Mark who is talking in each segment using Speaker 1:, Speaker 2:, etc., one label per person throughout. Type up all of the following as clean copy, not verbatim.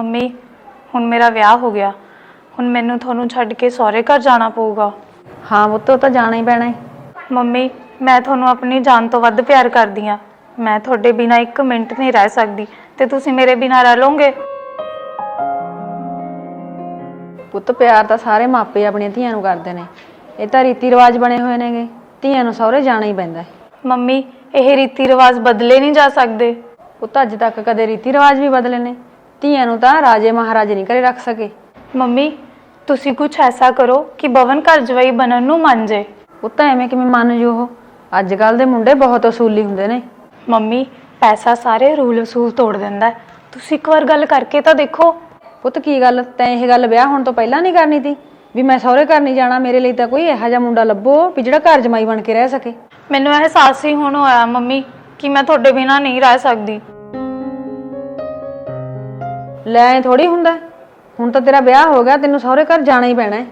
Speaker 1: Mummy ਹੁਣ ਮੇਰਾ ਵਿਆਹ ਹੋ ਗਿਆ, ਹੁਣ ਮੈਨੂੰ ਤੁਹਾਨੂੰ ਛੱਡ ਕੇ ਸਹੁਰੇ ਘਰ ਜਾਣਾ ਪਊਗਾ।
Speaker 2: ਹਾਂ ਪੁੱਤ, ਉਹ ਤਾਂ ਜਾਣਾ ਹੀ ਪੈਣਾ ਹੈ।
Speaker 1: ਮੰਮੀ ਮੈਂ ਤੁਹਾਨੂੰ ਆਪਣੀ ਜਾਨ ਤੋਂ ਵੱਧ ਪਿਆਰ ਕਰਦੀ ਹਾਂ। ਮੈਂ ਤੁਹਾਡੇ ਬਿਨਾਂ ਇੱਕ ਮਿੰਟ ਨਹੀਂ ਰਹਿ ਸਕਦੀ ਤੇ ਤੁਸੀਂ ਮੇਰੇ ਬਿਨਾਂ ਰਹਿ ਲਓਗੇ?
Speaker 2: ਪੁੱਤ ਪਿਆਰ ਤਾਂ ਸਾਰੇ ਮਾਪੇ ਆਪਣੀਆਂ ਧੀਆਂ ਨੂੰ ਕਰਦੇ ਨੇ। ਇਹ ਤਾਂ ਰੀਤੀ ਰਿਵਾਜ ਬਣੇ ਹੋਏ ਨੇਗੇ, ਧੀਆਂ ਨੂੰ ਸਹੁਰੇ ਜਾਣਾ ਹੀ ਪੈਂਦਾ ਹੈ।
Speaker 1: ਮੰਮੀ ਇਹ ਰੀਤੀ ਰਿਵਾਜ ਬਦਲੇ ਨਹੀਂ ਜਾ ਸਕਦੇ।
Speaker 2: ਪੁੱਤ ਅੱਜ ਤੱਕ ਕਦੇ ਰੀਤੀ ਰਿਵਾਜ ਵੀ ਬਦਲੇ ਨੇ? ਧੀਆਂ ਨੂੰ ਤਾਂ ਰਾਜੇ ਮਹਾਰਾਜੇ ਨਹੀਂ ਘਰੇ ਰੱਖ ਸਕੇ।
Speaker 1: ਮੰਮੀ ਤੁਸੀਂ ਕੁਝ ਐਸਾ ਕਰੋ ਕਿ ਬਵਨ ਘਰ ਜਵਾਈ ਬਣਨ ਨੂੰ ਮੰਨ ਜੇ।
Speaker 2: ਪੁੱਤ ਐਵੇਂ ਕਿਵੇਂ ਮੰਨ ਜੂ ਉਹ? ਅੱਜ ਕੱਲ ਦੇ ਮੁੰਡੇ ਬਹੁਤ ਅਸੂਲੀ ਹੁੰਦੇ ਨੇ।
Speaker 1: ਮੰਮੀ ਪੈਸਾ ਸਾਰੇ ਰੂਲ ਅਸੂਲ ਤੋੜ ਦਿੰਦਾ ਹੈ। ਤੁਸੀਂ ਇੱਕ ਵਾਰ ਗੱਲ ਕਰਕੇ ਤਾਂ ਦੇਖੋ।
Speaker 2: ਪੁੱਤ ਕੀ ਗੱਲ, ਤੈਂ ਇਹ ਗੱਲ ਵਿਆਹ ਹੋਣ ਤੋਂ ਪਹਿਲਾਂ ਨਹੀਂ ਕਰਨੀ ਤੀ ਵੀ ਮੈਂ ਸਹੁਰੇ ਘਰ ਨਹੀਂ ਜਾਣਾ? ਮੇਰੇ ਲਈ ਤਾਂ ਕੋਈ ਇਹੋ ਜਿਹਾ ਮੁੰਡਾ ਲੱਭੋ ਵੀ ਜਿਹੜਾ ਘਰ ਜਮਾਈ ਬਣ ਕੇ ਰਹਿ ਸਕੇ।
Speaker 1: ਮੈਨੂੰ ਅਹਿਸਾਸ ਹੀ ਹੁਣ ਹੋਇਆ ਮੰਮੀ ਕਿ ਮੈਂ ਤੁਹਾਡੇ ਬਿਨਾਂ ਨਹੀਂ ਰਹਿ ਸਕਦੀ।
Speaker 2: ਲੈ ਐ ਥੋੜੀ ਹੁੰਦਾ, ਹੁਣ ਤਾਂ ਤੇਰਾ ਵਿਆਹ ਹੋ ਗਿਆ, ਤੈਨੂੰ ਸਹੁਰੇ ਘਰ ਜਾਣਾ ਹੀ ਪੈਣਾ ਹੈ।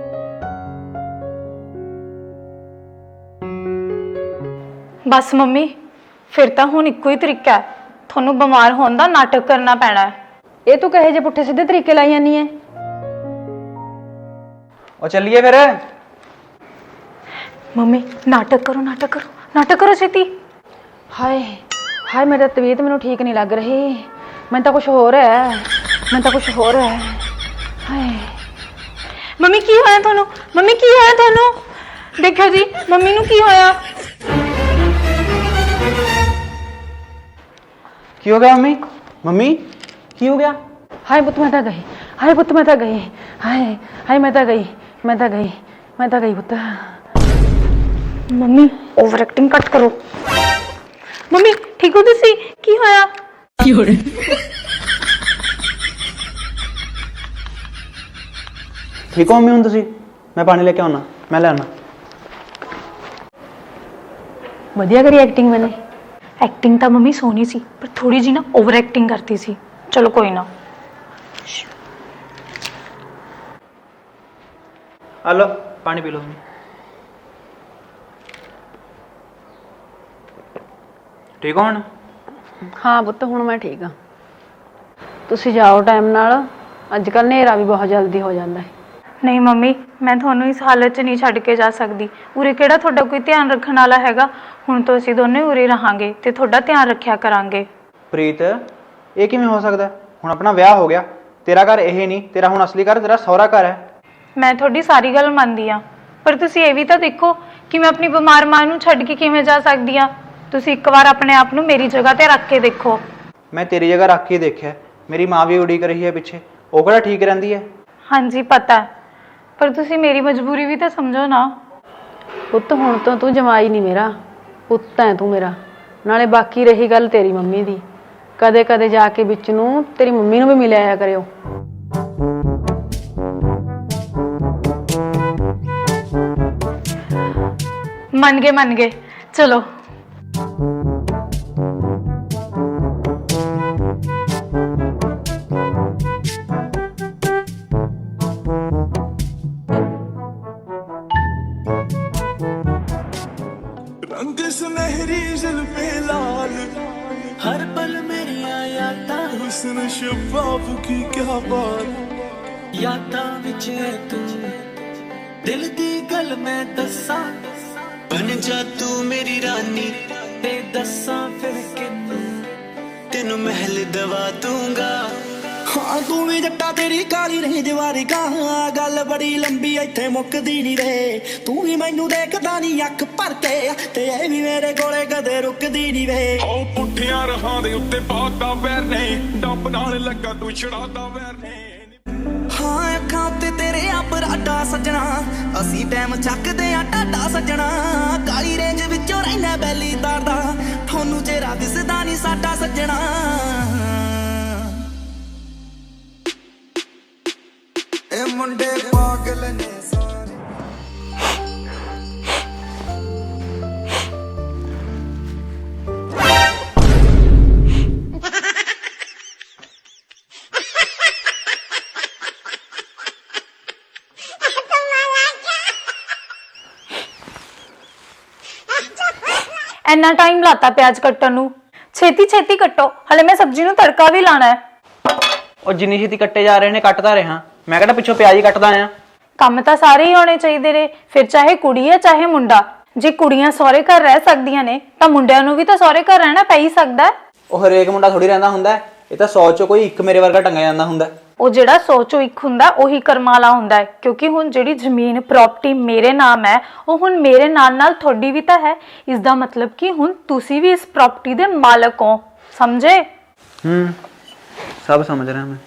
Speaker 1: ਬਸ ਮੰਮੀ ਫਿਰ ਤਾਂ ਹੁਣ ਇੱਕੋ ਹੀ ਤਰੀਕਾ ਹੈ, ਤੁਹਾਨੂੰ ਬਿਮਾਰ ਹੋਣ ਦਾ ਨਾਟਕ ਕਰਨਾ ਪੈਣਾ ਹੈ।
Speaker 2: ਇਹ ਤੂੰ ਕਹੇ ਜੇ ਪੁੱਠੇ ਸਿੱਧੇ ਤਰੀਕੇ ਲਾਈ ਜਾਂਦੀ ਐ?
Speaker 3: ਉਹ ਚੱਲੀਏ ਫਿਰ।
Speaker 1: ਮੰਮੀ ਨਾਟਕ ਕਰੋ, ਨਾਟਕ ਕਰੋ, ਨਾਟਕ ਕਰੋ ਛੇਤੀ।
Speaker 2: ਹਾਏ ਹਾਏ, ਮੇਰਾ ਤਬੀਅਤ ਮੈਨੂੰ ਠੀਕ ਨਹੀਂ ਲੱਗ ਰਹੀ। ਮੈਨੂੰ ਤਾਂ ਕੁਝ ਹੋ ਰਿਹਾ ਹੈ, ਮੈਨੂੰ ਤਾਂ ਕੁਝ ਹੋ ਰਿਹਾ ਹੈ। ਹਾਏ
Speaker 1: ਮੰਮੀ ਕੀ ਹੋਇਆ ਤੁਹਾਨੂੰ? ਮੰਮੀ ਕੀ ਹੋਇਆ ਤੁਹਾਨੂੰ? ਦੇਖੋ ਜੀ ਮੰਮੀ ਨੂੰ ਕੀ ਹੋਇਆ?
Speaker 3: ਕੀ ਹੋ ਗਿਆ ਮੰਮੀ? ਮੰਮੀ ਕੀ ਹੋ ਗਿਆ?
Speaker 2: ਹਾਏ ਪੁੱਤ ਮੈਂ ਤਾਂ ਗਈ, ਹਾਏ ਪੁੱਤ ਮੈਂ ਤਾਂ ਗਈ, ਹਾਏ ਹਾਏ ਮੈਂ ਤਾਂ ਗਈ, ਮੈਂ ਤਾਂ ਗਈ, ਮੈਂ ਤਾਂ ਗਈ ਪੁੱਤ।
Speaker 1: ਮੰਮੀ ਓਵਰ ਐਕਟਿੰਗ ਘੱਟ ਕਰੋ। ਮੰਮੀ ਠੀਕ ਹੋ ਤੁਸੀਂ? ਕੀ ਹੋਇਆ?
Speaker 2: ਕੀ ਹੋ ਰਿਹਾ?
Speaker 3: ਠੀਕ ਹੋ ਮੰਮੀ ਹੁਣ ਤੁਸੀਂ? ਮੈਂ ਪਾਣੀ ਲੈ ਕੇ ਆਉਣਾ, ਮੈਂ ਲੈ ਆਉਣਾ।
Speaker 2: ਵਧੀਆ ਕਰੀ ਐਕਟਿੰਗ ਮੈਨੇ।
Speaker 1: ਐਕਟਿੰਗ ਤਾਂ ਮੰਮੀ ਸੋਹਣੀ ਸੀ ਪਰ ਥੋੜੀ ਜਿਹੀ ਨਾ ਓਵਰ ਐਕਟਿੰਗ ਕਰਤੀ ਸੀ। ਚਲੋ ਕੋਈ ਨਾ।
Speaker 3: ਆ ਲਓ ਪਾਣੀ ਪੀ ਲਓ ਮੰਮੀ। ਠੀਕ ਹੋ ਹੁਣ?
Speaker 2: ਹਾਂ ਪੁੱਤ ਹੁਣ ਮੈਂ ਠੀਕ ਹਾਂ। ਤੁਸੀਂ ਜਾਓ ਟਾਈਮ ਨਾਲ, ਅੱਜ ਕੱਲ੍ਹ ਹਨੇਰਾ ਵੀ ਬਹੁਤ ਜਲਦੀ ਹੋ ਜਾਂਦਾ ਹੈ।
Speaker 1: ਨਹੀਂ ਮੰਮੀ ਮੈਂ ਤੁਹਾਨੂੰ ਇਸ ਹਾਲਤ 'ਚ ਨਹੀਂ ਛੱਡ ਕੇ ਜਾ ਸਕਦੀ। ਉਰੇ ਕਿਹੜਾ ਤੁਹਾਡਾ ਕੋਈ ਧਿਆਨ ਰੱਖਣ ਵਾਲਾ ਹੈਗਾ? ਹੁਣ ਤੋਂ ਅਸੀਂ ਦੋਨੇ ਉਰੇ ਰਹਾਂਗੇ ਤੇ ਤੁਹਾਡਾ ਧਿਆਨ ਰੱਖਿਆ ਕਰਾਂਗੇ।
Speaker 3: ਪ੍ਰੀਤ ਇਹ ਕਿਵੇਂ ਹੋ ਸਕਦਾ? ਹੁਣ ਆਪਣਾ ਵਿਆਹ ਹੋ ਗਿਆ, ਤੇਰਾ ਘਰ ਇਹ ਨਹੀਂ, ਤੇਰਾ ਹੁਣ ਅਸਲੀ ਘਰ ਤੇਰਾ ਸਹੁਰਾ ਘਰ ਹੈ।
Speaker 1: ਮੈਂ ਤੁਹਾਡੀ ਸਾਰੀ ਗੱਲ ਮੰਨਦੀ ਹਾਂ ਪਰ ਤੁਸੀਂ ਇਹ ਵੀ ਤਾਂ ਦੇਖੋ ਕਿ ਮੈਂ ਆਪਣੀ ਬਿਮਾਰ ਮਾਂ ਨੂੰ ਛੱਡ ਕੇ ਕਿਵੇਂ ਜਾ ਸਕਦੀ ਹਾਂ। ਤੁਸੀਂ ਇੱਕ ਵਾਰ ਆਪਣੇ ਆਪ ਨੂੰ ਮੇਰੀ ਜਗ੍ਹਾ ਤੇ ਰੱਖ ਕੇ ਦੇਖੋ।
Speaker 3: ਮੈਂ ਤੇਰੀ ਜਗ੍ਹਾ ਰੱਖ ਕੇ ਦੇਖਿਆ, ਮੇਰੀ ਮਾਂ ਵੀ ਉਡੀਕ ਰਹੀ ਹੈ ਪਿੱਛੇ, ਉਹ ਕਿਹੜਾ ਠੀਕ ਰਹਿੰਦੀ ਹੈ?
Speaker 1: ਹਾਂਜੀ ਪਤਾ, ਪਰ ਤੁਸੀਂ ਮੇਰੀ ਮਜਬੂਰੀ ਵੀ ਤਾਂ ਸਮਝੋ ਨਾ।
Speaker 2: ਪੁੱਤ ਹੁਣ ਤੋਂ ਤੂੰ ਜਮਾਈ ਨਹੀਂ ਮੇਰਾ, ਪੁੱਤ ਹੈ ਤੂੰ ਮੇਰਾ। ਨਾਲੇ ਬਾਕੀ ਰਹੀ ਗੱਲ ਤੇਰੀ ਮੰਮੀ ਦੀ, ਕਦੇ ਕਦੇ ਜਾ ਕੇ ਵਿੱਚ ਨੂੰ ਤੇਰੀ ਮੰਮੀ ਨੂੰ ਵੀ ਮਿਲ ਆਇਆ ਕਰਿਓ।
Speaker 1: ਮੰਨ ਗਏ ਚਲੋ।
Speaker 4: रंग सुनहरी जुल्फे लाल, हर पल मेरी यादां, हुस्न शफाफ की क्या बात, यादां विच है तू, दिल दी गल मैं दस्सां, बन जा तू मेरी रानी, ते दस्सां फिर किनू, तेनू महल दवा दूंगा। हाँ तू भी जट्टा तेरी काली रेंज वारी गां, गल बड़ी लंबी इत्थे मुकदी नहीं रे, तू भी मैनू देखदा नहीं अख भर के, ते ए भी मेरे कोले कदे रुकदी नहीं वे। ओ पुठियां रहां दे उत्ते पाता वैर ने, डंब नाल लगा तू छड़ादा वैर ने। हाँ अखां उत्ते तेरे अपराडा सजना, असी टैम चकदे आ टाडा सजना, काली रेंज विचों रहिना बैली तारदा, थोनू चेहरा दिसदा नहीं साडा सजना। मुंडे पागल ने सारे।
Speaker 1: ਇੰਨਾ ਟਾਈਮ ਲਾਤਾ ਪਿਆਜ਼ ਕੱਟਣ ਨੂੰ। ਛੇਤੀ ਛੇਤੀ ਕੱਟੋ, ਹਲੇ ਮੈਂ ਸਬਜ਼ੀ ਨੂੰ ਤੜਕਾ ਵੀ ਲਾਣਾ ਹੈ।
Speaker 3: ਉਹ ਜਿੰਨੀ ਛੇਤੀ ਕੱਟੇ ਜਾ ਰਹੇ ਨੇ ਕੱਟਦਾ ਰਿਹਾ, ਮੈਂ ਕਿਹੜਾ ਪਿੱਛੋਂ ਪਿਆਜ਼ ਹੀ ਕੱਟਦਾ ਆ।
Speaker 1: ਕੰਮ ਤਾਂ ਸਾਰੇ ਹੀ ਹੋਣੇ ਚਾਹੀਦੇ ਨੇ, ਫਿਰ ਚਾਹੇ ਕੁੜੀ ਹੈ ਚਾਹੇ ਮੁੰਡਾ। ਜੇ ਕੁੜੀਆਂ ਸਹੁਰੇ ਘਰ ਰਹਿ ਸਕਦੀਆਂ ਨੇ ਤਾਂ ਮੁੰਡਿਆਂ ਨੂੰ ਵੀ ਤਾਂ ਸਹੁਰੇ ਘਰ ਰਹਿਣਾ ਪੈ ਹੀ ਸਕਦਾ ਹੈ।
Speaker 3: ਉਹ ਹਰੇਕ ਮੁੰਡਾ ਥੋੜੀ ਰਹਿੰਦਾ ਹੁੰਦਾ, ਇਹ ਤਾਂ 100 ਚੋਂ ਕੋਈ ਇੱਕ ਮੇਰੇ ਵਰਗਾ ਟੰਗਿਆ ਜਾਂਦਾ ਹੁੰਦਾ।
Speaker 1: ਉਹ ਜਿਹੜਾ 100 ਚੋਂ ਇੱਕ ਹੁੰਦਾ ਉਹੀ ਕਰਮਾਂ ਵਾਲਾ ਹੁੰਦਾ ਹੈ, ਕਿਉਂਕਿ ਹੁਣ ਜਿਹੜੀ ਜ਼ਮੀਨ ਪ੍ਰਾਪਰਟੀ ਮੇਰੇ ਨਾਮ ਹੈ ਉਹ ਹੁਣ ਮੇਰੇ ਨਾਲ ਤੁਹਾਡੀ ਵੀ ਤਾਂ ਹੈ। ਇਸ ਦਾ ਮਤਲਬ ਕਿ ਹੁਣ ਤੁਸੀਂ ਵੀ ਇਸ ਪ੍ਰਾਪਰਟੀ ਦੇ ਮਾਲਕ ਹੋ, ਸਮਝੇ?
Speaker 3: ਸਭ ਸਮਝ ਰਿਹਾ ਮੈਂ।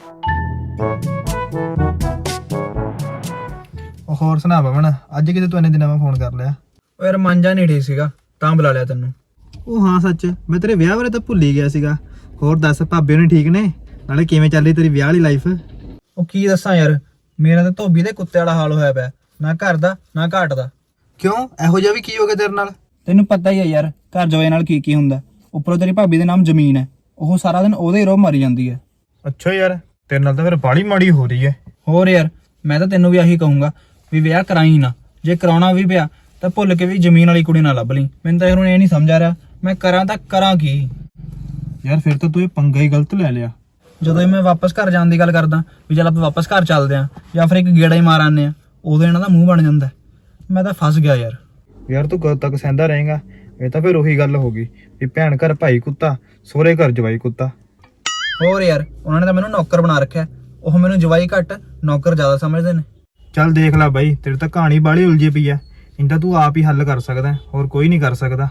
Speaker 5: ਉਹ ਹੋਰ ਸੁਣਾ ਪਵਨ, ਅੱਜ ਕਿਤੇ ਤੂੰ ਇੰਨੇ ਦਿਨਾਂ ਬਾਅਦ ਫੋਨ ਕਰ ਲਿਆ?
Speaker 3: ਓ ਯਾਰ ਮਨ ਜਾ ਨਹੀਂ ਠੀਕ ਸੀਗਾ ਤਾਂ ਬੁਲਾ ਲਿਆ ਤੈਨੂੰ।
Speaker 5: ਉਹ ਹਾਂ ਸੱਚ, ਮੈਂ ਤੇਰੇ ਵਿਆਹ ਬਾਰੇ ਤਾਂ ਭੁੱਲ ਹੀ ਗਿਆ ਸੀਗਾ। ਹੋਰ ਦੱਸ, ਭਾਬੀ ਹੋਣੀ ਠੀਕ ਨੇ? ਨਾਲੇ ਕਿਵੇਂ ਚੱਲ ਰਹੀ ਤੇਰੀ ਵਿਆਹ ਵਾਲੀ ਲਾਈਫ?
Speaker 3: ਉਹ ਕੀ ਦੱਸਾਂ ਯਾਰ, ਮੇਰਾ ਤਾਂ ਧੋਬੀ ਦੇ ਕੁੱਤੇ ਵਾਲਾ ਹਾਲ ਹੋਇਆ ਪਿਆ, ਨਾ ਘਰ ਦਾ ਨਾ ਘਾਟ ਦਾ।
Speaker 5: ਕਿਉਂ, ਇਹੋ ਜਿਹਾ ਵੀ ਕੀ ਹੋ ਗਿਆ ਤੇਰੇ ਨਾਲ?
Speaker 3: ਤੈਨੂੰ ਪਤਾ ਹੀ ਹੈ ਯਾਰ ਘਰ ਜਵਾਈ ਨਾਲ ਕੀ ਕੀ ਹੁੰਦਾ। ਉੱਪਰੋਂ ਤੇਰੀ ਭਾਬੀ ਦੇ ਨਾਮ ਜ਼ਮੀਨ ਹੈ, ਉਹ ਸਾਰਾ ਦਿਨ ਉਹਦੇ ਹੀ ਰੋਹ ਮਾਰੀ ਜਾਂਦੀ ਹੈ।
Speaker 5: ਅੱਛਾ ਯਾਰ, ਤੇਰੇ ਨਾਲ ਤਾਂ ਫਿਰ ਬਾਹਲੀ ਮਾੜੀ ਹੋ ਰਹੀ ਹੈ।
Speaker 3: ਹੋਰ ਯਾਰ, ਮੈਂ ਤਾਂ ਤੈਨੂੰ ਵੀ ਆਹੀ ਕਹੂੰਗਾ ਵੀ ਵਿਆਹ ਕਰਾਈ ਨਾ, ਜੇ ਕਰਾਉਣਾ ਵੀ ਪਿਆ ਤਾਂ ਭੁੱਲ ਕੇ ਵੀ ਜ਼ਮੀਨ ਵਾਲੀ ਕੁੜੀ ਨਾ ਲੱਭ ਲਈ। ਮੈਨੂੰ ਤਾਂ ਯਾਰ ਹੁਣ ਇਹ ਨਹੀਂ ਸਮਝ ਆ ਰਿਹਾ ਮੈਂ ਕਰਾਂ ਤਾਂ ਕਰਾਂ ਕੀ।
Speaker 5: ਯਾਰ ਫਿਰ ਤਾਂ ਤੂੰ ਇਹ ਪੰਗਾ ਹੀ ਗਲਤ ਲੈ ਲਿਆ।
Speaker 3: ਜਦੋਂ ਹੀ ਮੈਂ ਵਾਪਸ ਘਰ ਜਾਣ ਦੀ ਗੱਲ ਕਰਦਾ ਵੀ ਚੱਲ ਆਪਾਂ ਵਾਪਸ ਘਰ ਚੱਲਦੇ ਆਂ ਜਾਂ ਫਿਰ ਇੱਕ ਗੇੜਾ ਹੀ ਮਾਰ ਆਉਂਦੇ ਆ, ਉਦੋਂ ਇਹਨਾਂ ਦਾ ਮੂੰਹ ਬਣ ਜਾਂਦਾ। ਮੈਂ ਤਾਂ ਫਸ ਗਿਆ ਯਾਰ।
Speaker 5: ਯਾਰ ਤੂੰ ਕਦ ਤੱਕ ਸਹਿੰਦਾ ਰਹੇਗਾ? ਇਹ ਤਾਂ ਫਿਰ ਉਹੀ ਗੱਲ ਹੋ ਗਈ ਵੀ ਭੈਣ ਘਰ ਭਾਈ ਕੁੱਤਾ, ਸਹੁਰੇ ਘਰ ਜਵਾਈ ਕੁੱਤਾ।
Speaker 3: ਹੋਰ ਯਾਰ, ਉਹਨਾਂ ਨੇ ਤਾਂ ਮੈਨੂੰ ਨੌਕਰ ਬਣਾ ਰੱਖਿਆ, ਉਹ ਮੈਨੂੰ ਜਵਾਈ ਘੱਟ ਨੌਕਰ ਜ਼ਿਆਦਾ ਸਮਝਦੇ ਨੇ।
Speaker 5: ਚੱਲ ਦੇਖ ਲੈ ਬਾਈ, ਤੇਰੇ ਤਾਂ ਕਹਾਣੀ ਬਾਹਲੀ ਉਲਝੀ ਪਈ ਆ। ਇੰਦਾ ਤੂੰ ਆਪ ਹੀ ਹੱਲ ਕਰ ਸਕਦਾ, ਹੋਰ ਕੋਈ ਨਹੀਂ ਕਰ ਸਕਦਾ।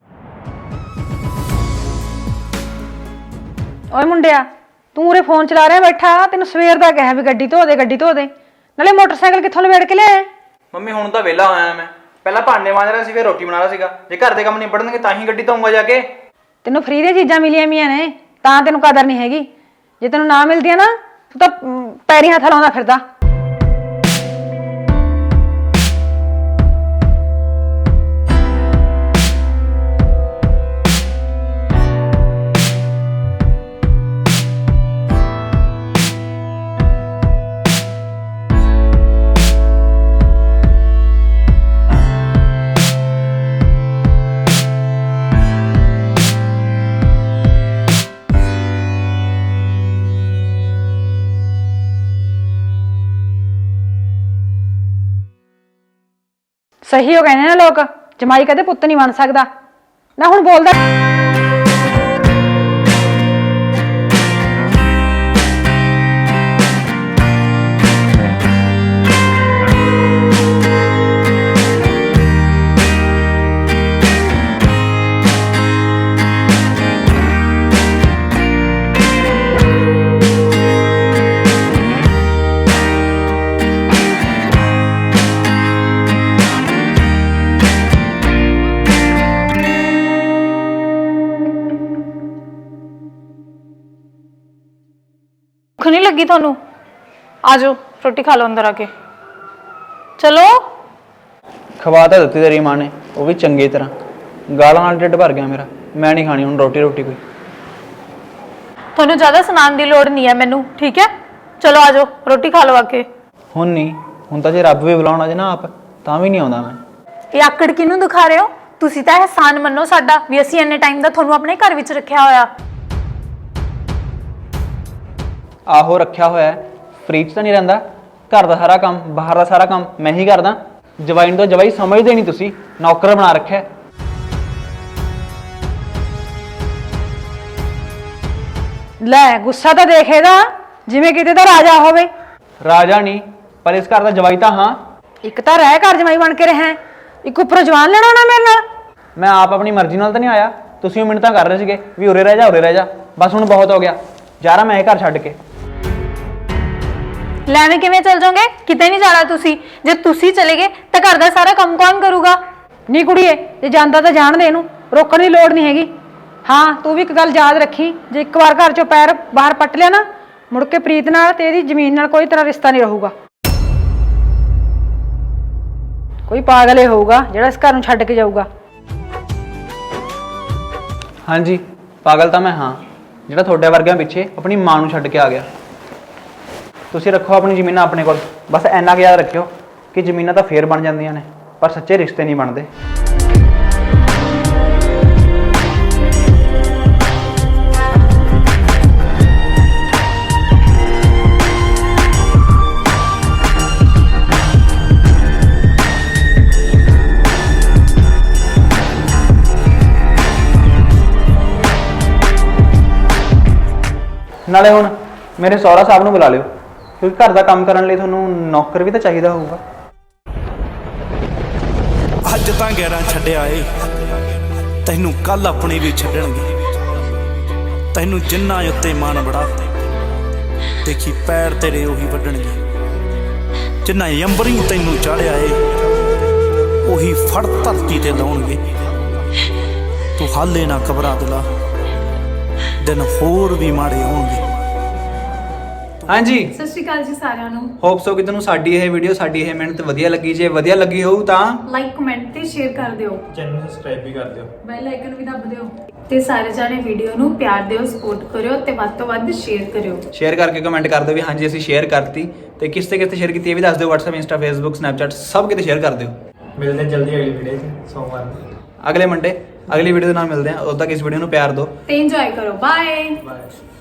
Speaker 2: ਓਏ ਮੁੰਡਿਆ, ਤੂੰ ਉਰੇ ਫੋਨ ਚਲਾ ਰਿਹਾ ਬੈਠਾ? ਤੈਨੂੰ ਸਵੇਰ ਦਾ ਕਿਹਾ ਵੀ ਗੱਡੀ ਧੋ ਦੇ, ਗੱਡੀ ਧੋ ਦੇ। ਨਾਲੇ ਮੋਟਰਸਾਈਕਲ ਕਿੱਥੋਂ ਲਵੇੜ ਕੇ ਲਿਆਇਆ?
Speaker 3: ਮੰਮੀ ਹੁਣ ਤਾਂ ਵਿਹਲਾ ਹੋਇਆ ਮੈਂ, ਪਹਿਲਾਂ ਭਾਂਡੇ ਮਾਂਜ ਰਿਹਾ ਸੀ ਫਿਰ ਰੋਟੀ ਬਣਾ ਰਿਹਾ ਸੀਗਾ। ਜੇ ਘਰ ਦੇ ਕੰਮ ਨਿਬੜਨਗੇ ਤਾਂ ਹੀ ਗੱਡੀ ਧੋਊਂਗਾ ਜਾ ਕੇ।
Speaker 2: ਤੈਨੂੰ ਫਰੀ ਦੀਆਂ ਚੀਜ਼ਾਂ ਮਿਲੀਆਂ ਮੀਆਂ ਨੇ ਤਾਂ ਤੈਨੂੰ ਕਦਰ ਨਹੀਂ ਹੈਗੀ। ਜੇ ਤੈਨੂੰ ਨਾ ਮਿਲਦੀਆਂ ਨਾ ਤੂੰ ਤਾਂ ਪੈਰੀਂ ਹੱਥ ਲਾਉਂਦਾ ਫਿਰਦਾ। ਸਹੀ ਹੋ ਕਹਿੰਦੇ ਨੇ ਲੋਕ, ਜਮਾਈ ਕਦੇ ਪੁੱਤ ਨਹੀਂ ਬਣ ਸਕਦਾ। ਨਾ ਹੁਣ ਬੋਲਦਾ
Speaker 1: ਭੁੱਖ ਨਹੀਂ ਲੱਗੀ ਤੁਹਾਨੂੰ? ਆ ਜਾਓ ਰੋਟੀ ਖਾ ਲਓ ਅੰਦਰ ਆ ਕੇ। ਚਲੋ।
Speaker 3: ਖਵਾ ਤਾਂ ਦਿੱਤੀ ਤੇਰੀ ਮਾਂ ਨੇ, ਉਹ ਵੀ ਚੰਗੀ ਤਰ੍ਹਾਂ। ਗਾਲਾਂ ਨਾਲ ਢਿੱਡ ਭਰ ਗਿਆ ਮੇਰਾ, ਮੈਂ ਨਹੀਂ ਖਾਣੀ ਹੁਣ ਰੋਟੀ ਕੋਈ।
Speaker 1: ਤੁਹਾਨੂੰ ਜ਼ਿਆਦਾ ਸੁਣਾਉਣ ਦੀ ਲੋੜ ਨਹੀਂ ਹੈ ਮੈਨੂੰ, ਠੀਕ ਹੈ? ਚਲੋ ਆ ਜਾਓ ਰੋਟੀ ਖਾ ਲਓ ਆ ਕੇ।
Speaker 3: ਹੁਣ ਨਹੀਂ, ਹੁਣ ਤਾਂ ਜੇ ਰੱਬ ਵੀ ਬੁਲਾਉਣਾ ਜੇ ਨਾ ਆਪ ਤਾਂ ਵੀ ਨਹੀਂ ਆਉਂਦਾ ਮੈਂ।
Speaker 1: ਇਹ ਆਕੜ ਕਿਹਨੂੰ ਦਿਖਾ ਰਹੇ ਹੋ? ਤੁਸੀਂ ਤਾਂ ਅਹਿਸਾਨ ਮੰਨੋ ਸਾਡਾ ਵੀ ਅਸੀਂ ਇੰਨੇ ਟਾਈਮ ਦਾ ਤੁਹਾਨੂੰ ਆਪਣੇ ਘਰ ਵਿੱਚ ਰੱਖਿਆ ਹੋਇਆ।
Speaker 3: ਆਹੋ ਰੱਖਿਆ ਹੋਇਆ, ਫ੍ਰੀ 'ਚ ਤਾਂ ਨਹੀਂ ਰਹਿੰਦਾ। ਘਰ ਦਾ ਸਾਰਾ ਕੰਮ, ਬਾਹਰ ਦਾ ਸਾਰਾ ਕੰਮ ਮੈਂ ਹੀ ਕਰਦਾ। ਜਵਾਈ ਨੂੰ ਤਾਂ ਜਵਾਈ ਸਮਝਦੇ ਨਹੀਂ ਤੁਸੀਂ, ਨੌਕਰ ਬਣਾ ਰੱਖਿਆ।
Speaker 2: ਲੈ ਗੁੱਸਾ ਤਾਂ ਦੇਖ ਇਹਦਾ, ਜਿਵੇਂ ਕਿਤੇ ਦਾ ਰਾਜਾ ਹੋਵੇ।
Speaker 3: ਰਾਜਾ ਨਹੀਂ, ਪਰ ਇਸ ਘਰ ਦਾ ਜਵਾਈ ਤਾਂ ਹਾਂ।
Speaker 2: ਇੱਕ ਤਾਂ ਰਹਿ ਘਰ ਜਮਾਈ ਬਣ ਕੇ ਰਹਿ, ਇੱਕ ਉੱਪਰੋਂ ਜਵਾਨ ਲੈਣਾ ਨਾ ਮੇਰੇ ਨਾਲ।
Speaker 3: ਮੈਂ ਆਪ ਆਪਣੀ ਮਰਜ਼ੀ ਨਾਲ ਤਾਂ ਨਹੀਂ ਆਇਆ, ਤੁਸੀਂ ਮਿੰਟ ਤਾਂ ਕਰ ਰਹੇ ਸੀਗੇ ਵੀ ਉਰੇ ਰਹਿ ਜਾ। ਬਸ ਹੁਣ ਬਹੁਤ ਹੋ ਗਿਆ, ਜਾ ਰਹਾ ਮੈਂ ਇਹ ਘਰ ਛੱਡ ਕੇ।
Speaker 1: ਲੈਵੇਂ ਕਿਵੇਂ ਚੱਲ ਜਾਓਗੇ? ਕਿਤੇ ਨਹੀਂ ਜਾਣਾ ਤੁਸੀਂ। ਜੇ ਤੁਸੀਂ ਚਲੇ ਗਏ ਤਾਂ ਘਰ ਦਾ ਸਾਰਾ ਕੰਮ ਕੌਣ ਕਰੂਗਾ?
Speaker 2: ਨਹੀਂ ਕੁੜੀਏ, ਜੇ ਜਾਂਦਾ ਤਾਂ ਜਾਣ ਦੇ, ਇਹਨੂੰ ਰੋਕਣ ਦੀ ਲੋੜ ਨਹੀਂ ਹੈਗੀ। ਹਾਂ ਤੂੰ ਵੀ ਇੱਕ ਗੱਲ ਯਾਦ ਰੱਖੀ, ਜੇ ਇੱਕ ਵਾਰ ਘਰ ਚੋਂ ਪੈਰ ਬਾਹਰ ਪੱਟ ਲਿਆ ਨਾ, ਮੁੜ ਕੇ ਪ੍ਰੀਤ ਨਾਲ ਤੇ ਇਹਦੀ ਜ਼ਮੀਨ ਨਾਲ ਕੋਈ ਤਰ੍ਹਾਂ ਰਿਸ਼ਤਾ ਨਹੀਂ ਰਹੂਗਾ। ਕੋਈ ਪਾਗਲ ਹੀ ਹੋਊਗਾ ਜਿਹੜਾ ਇਸ ਘਰ ਨੂੰ ਛੱਡ ਕੇ ਜਾਊਗਾ।
Speaker 3: ਹਾਂਜੀ ਪਾਗਲ ਤਾਂ ਮੈਂ ਹਾਂ, ਜਿਹੜਾ ਤੁਹਾਡੇ ਵਰਗਿਆਂ ਪਿੱਛੇ ਆਪਣੀ ਮਾਂ ਨੂੰ ਛੱਡ ਕੇ ਆ ਗਿਆ। ਤੁਸੀਂ ਰੱਖੋ ਆਪਣੀ ਜ਼ਮੀਨਾਂ ਆਪਣੇ ਕੋਲ, ਬਸ ਇੰਨਾ ਕੁ ਯਾਦ ਰੱਖਿਓ ਕਿ ਜ਼ਮੀਨਾਂ ਤਾਂ ਫੇਰ ਬਣ ਜਾਂਦੀਆਂ ਨੇ ਪਰ ਸੱਚੇ ਰਿਸ਼ਤੇ ਨਹੀਂ ਬਣਦੇ। ਨਾਲੇ ਹੁਣ ਮੇਰੇ ਸਹੁਰਾ ਸਾਹਿਬ ਨੂੰ ਬੁਲਾ ਲਿਓ, ਕਿਉਂਕਿ ਘਰ ਦਾ ਕੰਮ ਕਰਨ ਲਈ ਤੁਹਾਨੂੰ ਨੌਕਰ ਵੀ ਤਾਂ ਚਾਹੀਦਾ ਹੋਊਗਾ।
Speaker 4: ਅੱਜ ਤਾਂ ਗੈਰਾਂ ਛੱਡਿਆ ਏ, ਤੈਨੂੰ ਕੱਲ ਆਪਣੀ ਵੀ ਛੱਡਣਗੇ। ਤੈਨੂੰ ਜਿੰਨਾ ਉੱਤੇ ਮਾਣ ਬੜਾ, ਦੇਖੀ ਪੈਰ ਤੇਰੇ ਉਹੀ ਵੱਢਣਗੇ। ਜਿੰਨਾ ਅੰਬਰੀ ਤੈਨੂੰ ਚਾੜਿਆ ਏ, ਉਹੀ ਫੜ ਧਰਤੀ ਤੇ ਲਾਉਣਗੇ। ਤੂੰ ਹਾਲੇ ਨਾ ਘਬਰਾ ਦਿਲਾ, ਦਿਨ ਹੋਰ ਵੀ ਮਾੜੇ ਆਉਣਗੇ।
Speaker 3: ਹਾਂਜੀ,
Speaker 1: ਸਤਿ ਸ਼੍ਰੀ ਅਕਾਲ ਜੀ ਸਾਰਿਆਂ ਨੂੰ।
Speaker 3: ਹੋਪ ਸੋ ਕਿ ਤੁਹਾਨੂੰ ਸਾਡੀ ਇਹ ਵੀਡੀਓ, ਸਾਡੀ ਇਹ ਮਿਹਨਤ ਵਧੀਆ ਲੱਗੀ। ਜੇ ਵਧੀਆ ਲੱਗੀ ਹੋਊ ਤਾਂ
Speaker 1: ਲਾਈਕ ਕਮੈਂਟ ਤੇ ਸ਼ੇਅਰ ਕਰ ਦਿਓ,
Speaker 5: ਚੈਨਲ ਨੂੰ ਸਬਸਕ੍ਰਾਈਬ ਵੀ ਕਰ ਦਿਓ,
Speaker 1: ਬੈਲ ਆਈਕਨ ਵੀ ਦਬ ਦਿਓ ਤੇ ਸਾਰੇ ਜਾਣੇ ਵੀਡੀਓ ਨੂੰ ਪਿਆਰ ਦਿਓ, ਸਪੋਰਟ ਕਰਿਓ ਤੇ ਵੱਧ ਤੋਂ ਵੱਧ ਸ਼ੇਅਰ ਕਰਿਓ।
Speaker 3: ਸ਼ੇਅਰ ਕਰਕੇ ਕਮੈਂਟ ਕਰ ਦਿਓ ਵੀ ਹਾਂਜੀ ਅਸੀਂ ਸ਼ੇਅਰ ਕਰਤੀ, ਤੇ ਕਿਸ ਤੇ ਕਿਸ ਤੇ ਸ਼ੇਅਰ ਕੀਤੀ ਇਹ ਵੀ ਦੱਸ ਦਿਓ। WhatsApp, Insta, Facebook, Snapchat ਸਭ ਕਿਤੇ ਸ਼ੇਅਰ ਕਰ ਦਿਓ।
Speaker 5: ਮਿਲਦੇ ਹਾਂ ਜਲਦੀ ਅਗਲੀ ਵੀਡੀਓ 'ਚ ਸੋਮਵਾਰ ਨੂੰ,
Speaker 3: ਅਗਲੇ ਮੰਡੇ ਅਗਲੀ ਵੀਡੀਓ ਦੇ ਨਾਲ ਮਿਲਦੇ ਹਾਂ। ਉਦੋਂ ਤੱਕ ਇਸ ਵੀਡੀਓ ਨੂੰ ਪਿਆਰ ਦਿਓ
Speaker 1: ਤੇ ਇੰਜੋਏ ਕਰੋ। ਬਾਏ।
Speaker 5: ਬਾਏ।